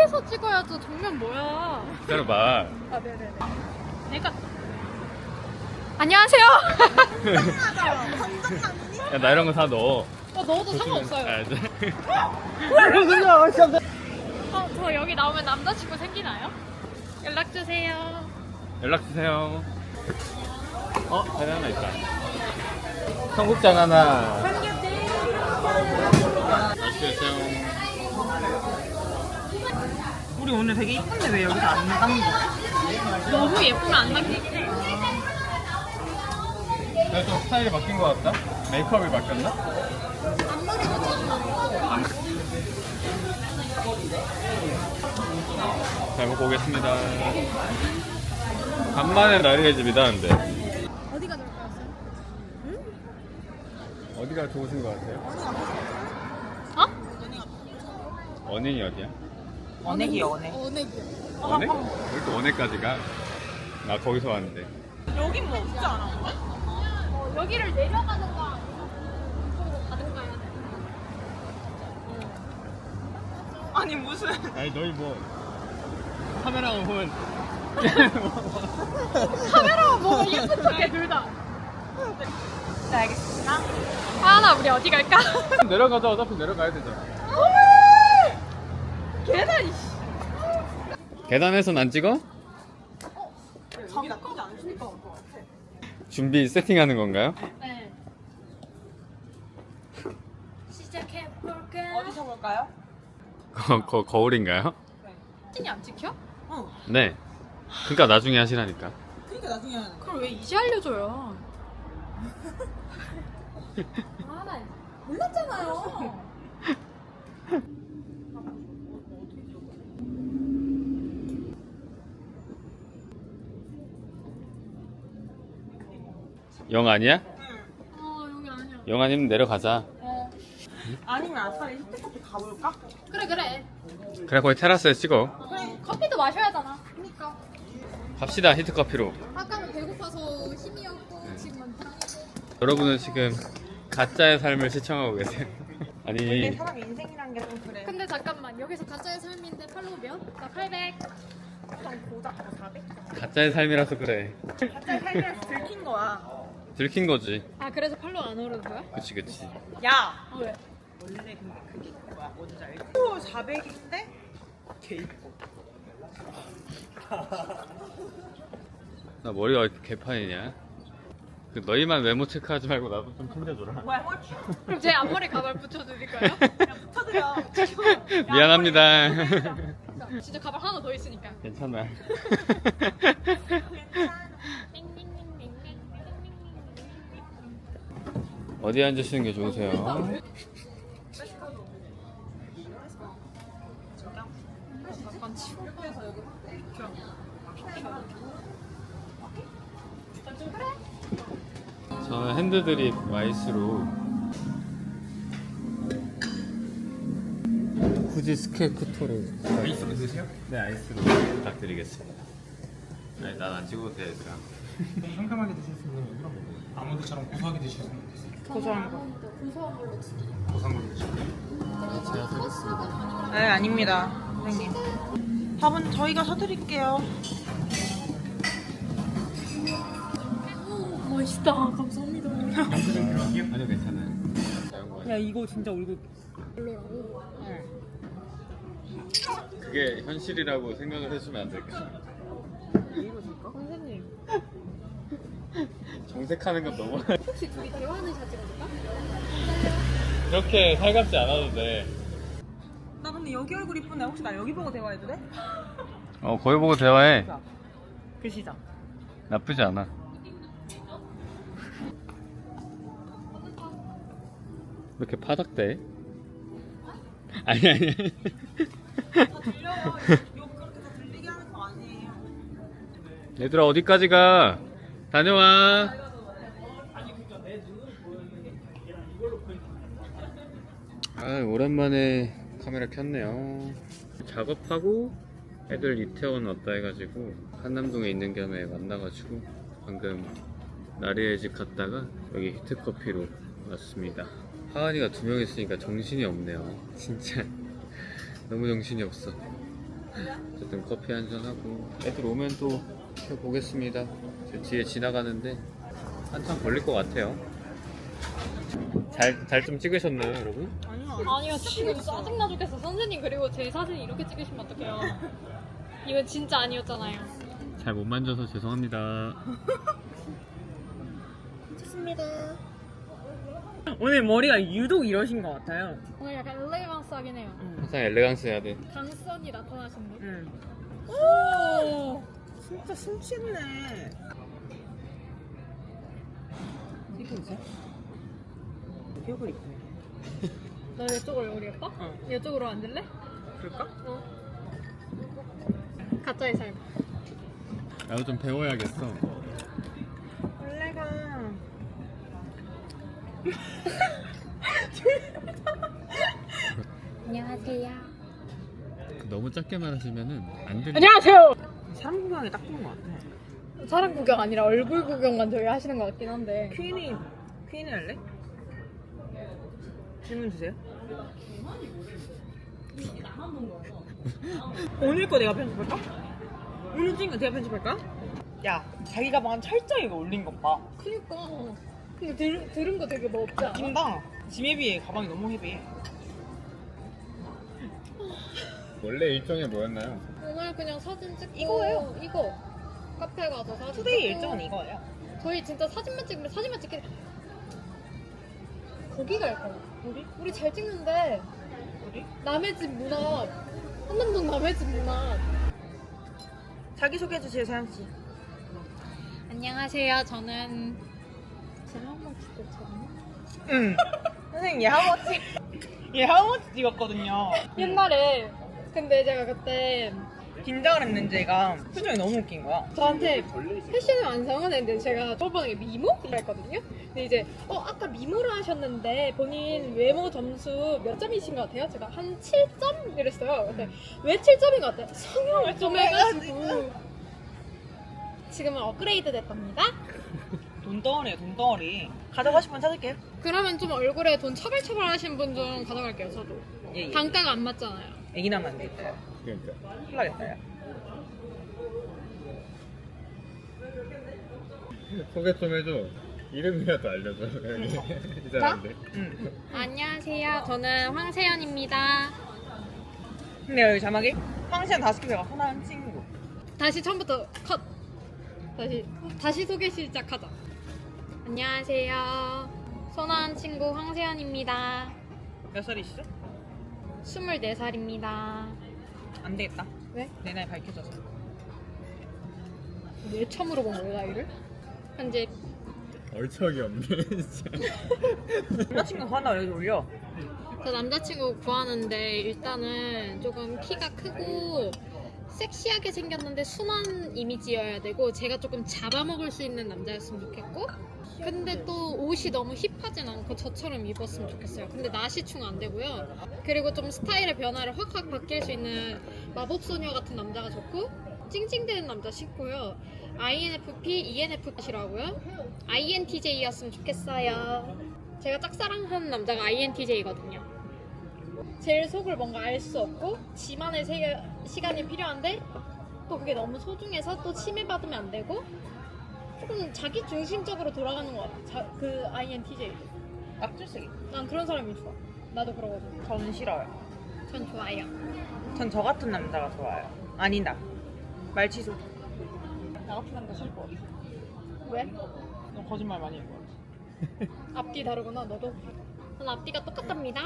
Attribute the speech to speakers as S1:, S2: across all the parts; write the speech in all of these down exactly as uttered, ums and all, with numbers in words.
S1: 위에서 찍어야죠. 정면 뭐야?
S2: 기다려봐.
S1: 아 네네네. 내가 안녕하세요.
S2: 야, 나 이런 거 다 넣어.
S1: 어, 넣어도 상관없어요.
S2: 아, 이제.
S1: 어, 저 여기 나오면 남자친구 생기나요? 연락 주세요.
S2: 연락 주세요. 어, 자리 하나 있다. 청국장 하나. 맛있겠어요.
S3: 우리 오늘 되게 이쁜데 왜 여기서 안 담겨?
S1: 너무 예쁘면 안 남기긴 해.
S2: 내가 좀 스타일이 바뀐 것 같다? 메이크업이 바뀌었나? 잘 먹고 오겠습니다. 간만에 나리의 집이다는데.
S1: 어디가 좋을까요?
S2: 어디가 좋으신 것 같아요?
S1: 어?
S2: 원행이 어디야?
S3: 언액이 언액.
S1: 어내기요.
S2: 원행? 왜 이렇게 원행까지 가? 나 거기서 왔는데.
S3: 여긴 뭐 없지 않아?
S1: 어, 여기를 내려가든가 이쪽으로 가든가 해야 돼.
S3: 아니 무슨
S2: 아니 너희 뭐 카메라만 보면
S1: 카메라만 보면 예쁜 척해 둘 다.
S3: 네 알겠습니다.
S1: 하나 우리 어디 갈까?
S2: 내려가자. 어차피 내려가야 되잖아.
S1: 계단이.
S2: 계단에선 안 찍어?
S3: 장이 나쁘지 않으시니까 올것 같아.
S2: 준비 세팅하는 건가요?
S1: 네. 시작해 볼까?
S3: 어디서 볼까요?
S2: 거, 거, 거울인가요?
S1: 사진이 안 찍혀?
S3: 어.
S2: 네. 그러니까 나중에 하시라니까.
S3: 그러니까 나중에 하는 거.
S1: 그걸 왜 이제 알려줘요? 아, 나 몰랐잖아요.
S2: 영 아니야?
S1: 어, 여기 아니야.
S2: 영 아니면 내려가자.
S1: 어.
S3: 아니면 아싸리 히트커피 가볼까?
S1: 그래, 그래.
S2: 그래 거기 테라스에 찍어.
S1: 그래, 커피도 마셔야 하잖아. 그니까.
S2: 갑시다 히트커피로.
S1: 아까는 배고파서 힘이 없고, 지금은 당이고.
S2: 여러분은 지금 가짜의 삶을 시청하고 계세요.
S3: 근데
S2: 아니
S3: 사람 인생이란 게 좀 그래.
S1: 근데 잠깐만, 여기서 가짜의 삶인데 팔로우 몇? 나 팔백.
S3: 좀 고작 사백?
S2: 가짜의 삶이라서 그래.
S3: 갑자기 살면서 들킨 거야.
S2: 들킨 거지.
S1: 아, 그래서 팔로우 안 오르는 거야?
S2: 그치 그치.
S3: 야!
S1: 어, 왜?
S3: 원래 근데 그게 뭐야? 뭔지 알지? 또 사백인데 개 이뻐.
S2: 나 머리가 왜 이렇게 개판이냐? 그 너희만 외모 체크하지 말고 나도 좀 챙겨줘라.
S3: 뭐야? 꼴찌?
S1: 그럼 제 앞머리 가발 붙여드릴까요?
S3: 붙여드려.
S2: 미안합니다.
S1: 진짜 가발 하나 더 있으니까.
S2: 괜찮아. 어디 앉으시는 게 좋으세요?
S1: 잠깐 치워.
S2: 저는 핸드드립 아이스로 후지 스케 쿠토를 아이스로 드세요? 네 아이스로 부탁드리겠습니다. 아니 난 안 찍어도 돼 얘들아.
S4: 상큼하게 드실 수 있는 이런 거 아몬드처럼 고소하게 드실 수 있는 거 있어요.
S3: 고소한 거.
S1: 고소한 걸로 주세요.
S4: 고소한 걸로 드시고
S2: 제가 사겠습니다.
S3: 네 아닙니다 선생님. 밥은 저희가 사드릴게요.
S1: 멋있다. 감사합니다.
S2: 아니요 괜찮아요.
S3: 야 이거 진짜 얼굴.
S1: 별로라고.
S2: 그게 현실이라고 생각을 해주면 안 될까?
S1: 선생님,
S2: 정색하는 건 너무
S1: 혹시 둘이 대화하는 샷 찍어줄까?
S2: 그렇게 살갑지 않아도 돼.
S3: 나 근데 여기 얼굴 이쁜데 혹시 나 여기 보고 대화해도 돼?
S2: 어 거기 보고 대화해.
S3: 그 시작.
S2: 나쁘지 않아. 왜 이렇게 파닥대? 아니 아니.
S3: 다 들려요. 욕 그렇게 다 들리게 하는 거 아니에요.
S2: 얘들아 어디까지 가? 다녀와. 아 오랜만에 카메라 켰네요. 작업하고 애들 이태원 왔다 해가지고 한남동에 있는 겸에 만나가지고 방금 나리의 집 갔다가 여기 히트커피로 왔습니다. 하은이가 두 명 있으니까 정신이 없네요. 진짜 너무 정신이 없어. 어쨌든 커피 한잔 하고 애들 오면 또 보겠습니다. 저 뒤에 지나가는데 한참 걸릴 것 같아요. 잘 잘 좀 찍으셨나요, 여러분?
S1: 아니요, 지금 짜증나 죽겠어. 선생님, 그리고 제 사진 이렇게 찍으시면 어떡해요. 이건 진짜 아니었잖아요.
S2: 잘 못 만져서 죄송합니다.
S3: 오늘 머리가 유독 이러신 것 같아요.
S1: 오늘 약간 엘레강스하긴 해요.
S2: 항상 엘레강스 해야 돼.
S1: 강선이 나타나신데.
S3: 응.
S1: 오!
S3: 진짜 숨쉬네. 이거 보세요. 기억을 입고.
S1: 너 이쪽으로 우리 예뻐?
S3: 어.
S1: 이쪽으로 앉을래?
S3: 그럴까?
S1: 어. 가짜의 삶.
S2: 나도 좀 배워야겠어.
S3: 원래가
S1: 안녕하세요.
S2: 너무 작게 말하시면은 안 들려.
S1: 안녕하세요.
S3: 사람 구경이 딱 좋은 것 같아.
S1: 사람 구경 아니라 얼굴 구경만 저희 하시는 것 같긴 한데.
S3: 퀸이 퀸이 할래? 질문 주세요. 오늘 거 내가 편집할까? 오늘 찍은 거 내가 편집할까? 야, 자기 가방 철저히 이거 올린 것 봐.
S1: 그니까. 근데 들, 들은 거 되게 뭐 없지 않아?
S3: 낀다. 짐에 비해 가방이 너무 헤비해.
S2: 원래 일정이 뭐였나요?
S1: 오늘 그냥 사진 찍고
S3: 이거예요?
S1: 이거 카페 가서 사진
S3: 투데이
S1: 찍고.
S3: 일정은 이거예요.
S1: 저희 진짜 사진만 찍으면 사진만 찍게 거기 갈 거야.
S3: 우리?
S1: 우리 잘 찍는데
S3: 우리?
S1: 남의 집 문 앞. 한남동 남의 집 문 앞.
S3: 자기 소개해 주세요, 사연 씨.
S1: 안녕하세요. 저는 제가 한번 찍었잖아요.
S3: 응. 선생님 얘 하우머치 얘 하우머치 찍었거든요.
S1: 옛날에 근데 제가 그때
S3: 긴장을 했는지 얘가 표정이 너무 웃긴 거야.
S1: 저한테 패션을 완성은 했는데 제가 저번에 미모? 이랬거든요. 근데 이제 어 아까 미모를 하셨는데 본인 외모 점수 몇 점이신 것 같아요? 제가 한 칠 점 이랬어요. 근데 왜 칠 점인 것 같아요? 성형을 좀 해가지고 지금은 업그레이드 됐답니다.
S3: 돈덩어리예요, 돈덩어리. 가져가시면 찾을게요.
S1: 그러면 좀 얼굴에 돈 처벌처벌 하신 분 좀 가져갈게요. 저도
S3: 예, 예.
S1: 단가가 안 맞잖아요.
S3: 애기 나면 안 되겠다.
S2: 그러니까.
S3: 큰일 나겠다, 야.
S2: 소개 좀 해줘. 이름이라도 알려줘. 이 사람들.
S3: 응.
S1: 안녕하세요. 저는 황세연입니다.
S3: 근데 여기 자막이 황시한 다섯 개가 하나는 친구.
S1: 다시 처음부터 컷. 다시 다시 소개 시작하자. 안녕하세요. 선한 친구 황세연입니다.
S3: 몇 살이시죠?
S1: 스물네 살입니다.
S3: 안 되겠다.
S1: 왜?
S3: 내 나이 밝혀져서.
S1: 왜 처음으로 본 거예요, 나이를? 현재
S2: 얼척이 없네, 진짜.
S3: 남자친구 하나 여기 올려.
S1: 저 남자친구 구하는데 일단은 조금 키가 크고 섹시하게 생겼는데 순한 이미지여야 되고 제가 조금 잡아먹을 수 있는 남자였으면 좋겠고 근데 또 옷이 너무 힙하진 않고 저처럼 입었으면 좋겠어요. 근데 나시충 안 되고요. 그리고 좀 스타일의 변화를 확확 바뀔 수 있는 마법소녀 같은 남자가 좋고 찡찡대는 남자 싫고요. 아이엔에프피, 이엔에프피라고요? 아이엔티제이였으면 좋겠어요. 제가 짝사랑하는 남자가 아이엔티제이거든요. 제일 속을 뭔가 알 수 없고 지만의 세, 시간이 필요한데 또 그게 너무 소중해서 또 침해받으면 안 되고 조금 자기 중심적으로 돌아가는 것 같아. 자, 그 아이엔티제이.
S3: 깍줄쓰기.
S1: 난 그런 사람이 좋아. 나도 그러거든.
S3: 저는 싫어요.
S1: 전 좋아요.
S3: 전 저 같은 남자가 좋아요. 아니다. 말 취소. 나 같은 남자 싫고 어디?
S1: 왜?
S3: 너 거짓말 많이 할 것 같아.
S1: 앞뒤 다르구나. 너도. 전 앞뒤가 똑같답니다.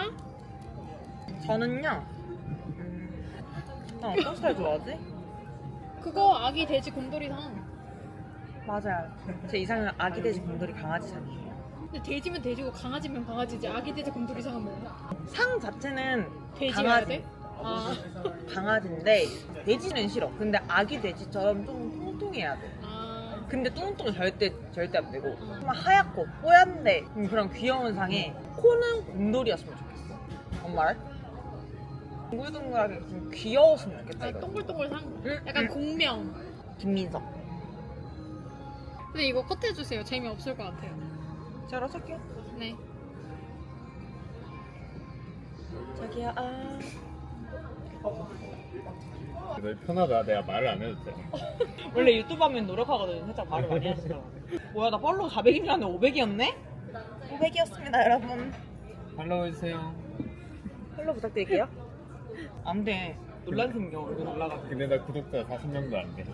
S3: 저는요. 음, 난 어떤 스타일 좋아하지?
S1: 그거 아기 돼지 곰돌이상.
S3: 맞아요. 제 이상은 아기 돼지 곰돌이 강아지상이에요.
S1: 근데 돼지면 돼지고 강아지면 강아지지. 아기 돼지 곰돌이상은 뭐야?
S3: 상 자체는
S1: 돼지여야
S3: 강아지.
S1: 돼? 아.
S3: 강아지인데 돼지는 싫어. 근데 아기 돼지처럼 좀 통통해야 돼.
S1: 아.
S3: 근데 뚱뚱은 절대 절대 안 되고 좀 하얗고 뽀얀데 음, 그런 귀여운 상에 코는 곰돌이였으면 좋겠어. 뭔 말? 둥글둥글하게 좀 귀여웠으면 좋겠다.
S1: 아니,
S3: 이거.
S1: 동글동글 상.
S3: 응,
S1: 약간
S3: 응.
S1: 공명.
S3: 김민석.
S1: 근데 이거 컷해주세요. 재미없을 것 같아요.
S3: 잘 어떡해?
S1: 네.
S3: 자기야 아. 어.
S2: 너 편하다. 내가 말을 안 해도 돼.
S3: 원래 유튜브 하면 노력하거든. 살짝 말을 많이 하시더라고. 뭐야 나 팔로우 사백인 줄 알았는데 오백이었네? 오백이었습니다 여러분.
S2: 팔로우 해주세요.
S3: 팔로우 부탁드릴게요. 안 돼. 논란 생겨. 얼굴 올라가서.
S2: 근데 나 구독자 사십 명도 안 돼.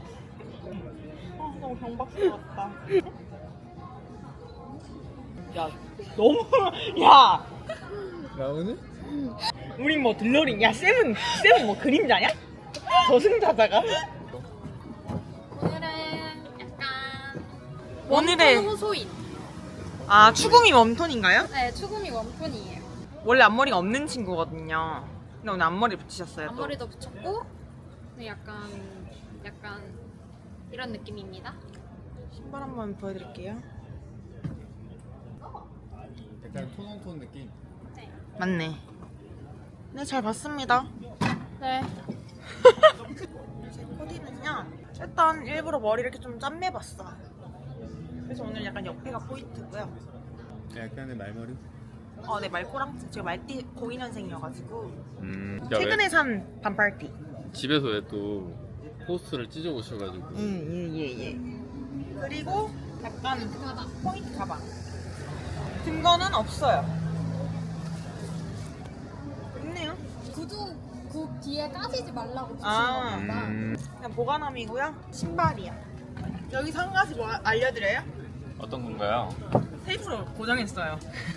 S3: 아, 너무 경박스러웠다. 야, 너무 야,
S2: 나 오늘?
S3: 우린 뭐 들러리. 야, 쌤은 쌤은 뭐 그림자냐? 저승자자가?
S1: 오늘은 약간
S3: 오늘의
S1: 웜톤 호소인.
S3: 아 추궁이 웜톤인가요?
S1: 네, 추구미 웜톤이에요.
S3: 원래 앞머리가 없는 친구거든요. 근데 오늘 앞머리 붙이셨어요 또.
S1: 앞머리도 붙였고, 네, 약간 약간 이런 느낌입니다.
S3: 신발 한번 보여드릴게요.
S2: 약간 톤온톤 느낌.
S1: 네.
S3: 맞네. 네, 잘 봤습니다.
S1: 네.
S3: 제 코디는요. 일단 일부러 머리 이렇게 좀 짠매봤어. 그래서 오늘 약간 옆에가 포인트고요.
S2: 약간의 말머리?
S3: 어, 네, 말꼬랑 제가 말띠 고이년생이어가지고
S2: 음.
S3: 최근에 산 반팔티.
S2: 집에서 왜 또 포스트를 찢어 오셔가지고.
S3: 음, 예, 예, 예. 그리고 약간
S1: 가방.
S3: 포인트 가방. 든 거는 없어요. 있네요.
S1: 구두 그 뒤에 까지지 말라고 붙인
S3: 아.
S1: 겁니다.
S2: 음.
S3: 그냥 보관함이고요. 신발이야. 여기서 한 가지 뭐 알려드려요?
S2: 어떤 건가요?
S3: 테이프로 고정했어요.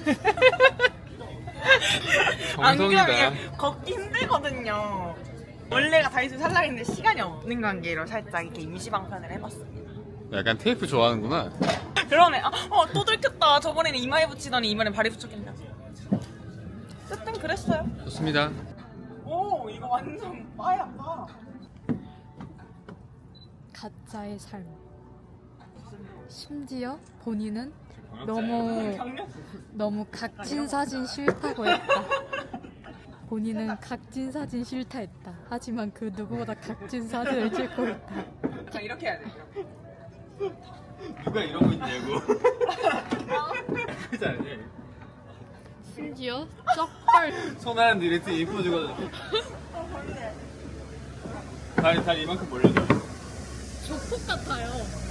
S2: 정성이다.
S3: 안 그러면 걷기 힘들거든요. 원래가 다이소 살라 했는데 시간이 없는 관계로 살짝 이렇게 임시방편을 해봤습니다.
S2: 약간 테이프 좋아하는구나.
S3: 그러네. 아, 어, 또 들켰다. 저번에는 이마에 붙이더니 이번엔 발에 붙였겠냐. 어쨌든 그랬어요.
S2: 좋습니다.
S3: 오, 이거 완전 빠야 빠.
S1: 가짜의 삶. 심지어 본인은 너무
S3: 경력?
S1: 너무 각진 사진 싫다고 했다. 본인은 각진 사진 싫다 했다. 하지만 그 누구보다 각진 사진을 찍고 있다.
S3: 자, 이렇게 해야 돼.
S2: 누가 이러고 있냐고. 그지 않니?
S1: 심지어 쩍벌
S2: 손하는데 이랬더 이뻐지거든. 다리 다리 이만큼 벌려줘.
S1: 조폭 같아요.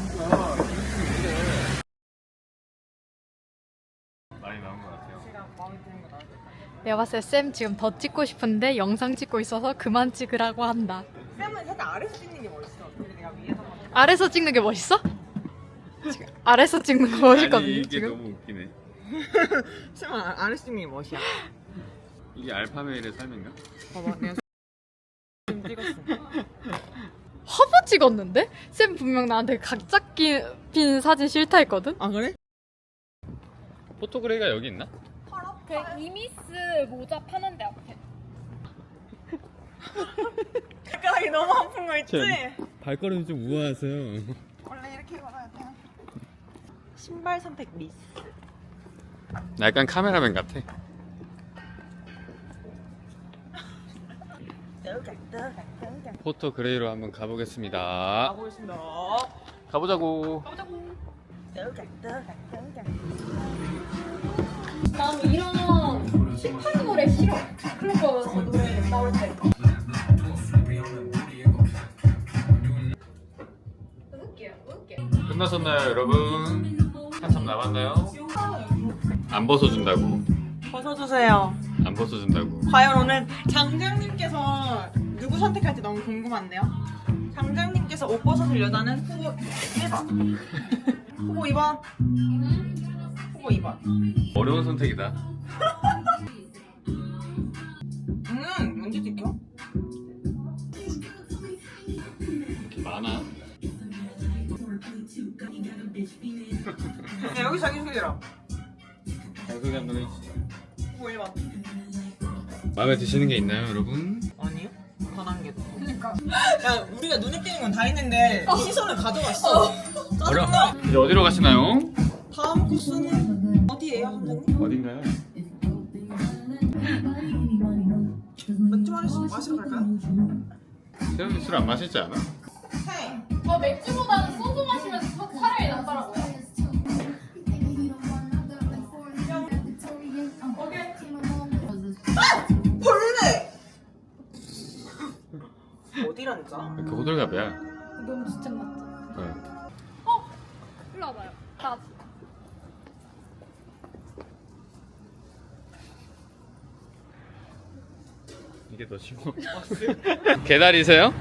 S2: 많이 나온 것 같아요.
S3: 제가 마음에 드는 거 나왔어요.
S1: 내가 봤을 때 쌤 지금 더 찍고 싶은데 영상 찍고 있어서 그만 찍으라고 한다.
S3: 쌤은 살짝 아래서 찍는 게 멋있어. 근데 내가 위에서 만
S1: 아래서 찍는 게 멋있어? 지금 아래서 찍는 거 멋있거든요.
S2: 아니 이게
S1: 지금.
S2: 너무 웃기네.
S3: 쌤은 아- 아래서 찍는 게 멋이야.
S2: 이게 알파메일의 삶인가?
S3: 봐봐, 내가 좀 찍었어.
S1: 화보 찍었는데? 쌤 분명 나한테 각자 끼- 핀 사진 싫다 했거든?
S3: 아 그래?
S2: 포토그레이가 여기 있나?
S1: 그 이미스 모자 파는 데 앞에.
S3: 발가락이 너무 아픈 거 있지?
S2: 발걸음이 좀 우아하세요.
S3: 원래 이렇게 걸어야 돼요. 신발 선택 미스.
S2: 나 약간 카메라맨 같아. 포토그레이로 한번 가보겠습니다.
S3: 가보겠습니다.
S2: 가보자고.
S1: 난 이런 힙한 노래 싫어. 클럽에서 노래 나올 때. 웃겨, 웃겨.
S2: 끝나셨나요, 여러분? 한참 남았나요? 안 벗어준다고.
S3: 벗어주세요.
S2: 안 벗어준다고.
S3: 과연 오늘 장장님께서 누구 선택할지 너무 궁금한데요. 장장님께서 옷 벗어줄 여자는 후보 일 번, 후보 이 번, 후보 이 번.
S2: 어려운 선택이다.
S3: 음, 언제 찍혀?
S2: 이렇게 많아.
S3: 야, 여기 자기소개라.
S2: 자기소개 한번 해주시죠.
S3: 후보 일 번.
S2: 마음에 드시는 게 있나요, 여러분?
S3: 아니요? 단한 개. 그니까. 야, 우리가 눈에 띄는 건 다 했는데 시선을 가져갔어.
S2: 어려.
S3: 짜증나.
S2: 이제 어디로 가시나요?
S3: 다음 코스는 어디예요, 선생님?
S2: 어딘가요?
S3: 맥주 마시러, 마시러 갈까요?
S2: 세훈이 술 안 마시지 않아?
S3: 네.
S1: 어, 맥주보다는 소주 마시면 차라리 낫더라고요.
S3: 벌레! 어딜 앉아?
S2: 그 호들갑이야.
S1: 너무 진짜 맞죠?
S2: 네.
S1: 일로 와봐요. 나
S2: 이게 더 쉬워. 개다리세요?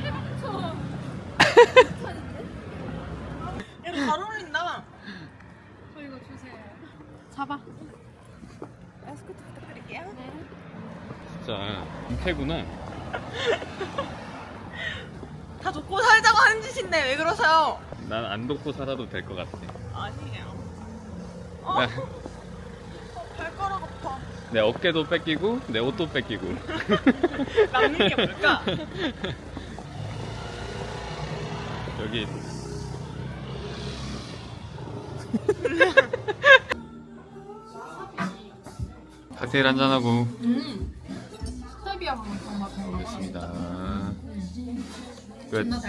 S3: 이거 잘 어울린다.
S1: 저 이거 주세요. 잡아.
S3: 에스코트 부탁드릴게요.
S2: 진짜 은퇴구나.
S3: 다 줬고 살자고 하는 짓인데 왜 그러세요?
S2: 난 안 돕고 살아도 될 것 같아.
S3: 아니에요. 어?
S2: 나-
S3: 어, 발가락 아파.
S2: 내 어깨도 뺏기고 내 옷도 뺏기고.
S3: 남는 게 뭘까?
S2: 여기 칵테일 한잔 하고
S1: 음. 스타비아 맛 정말
S2: 가겠습니다. 끝.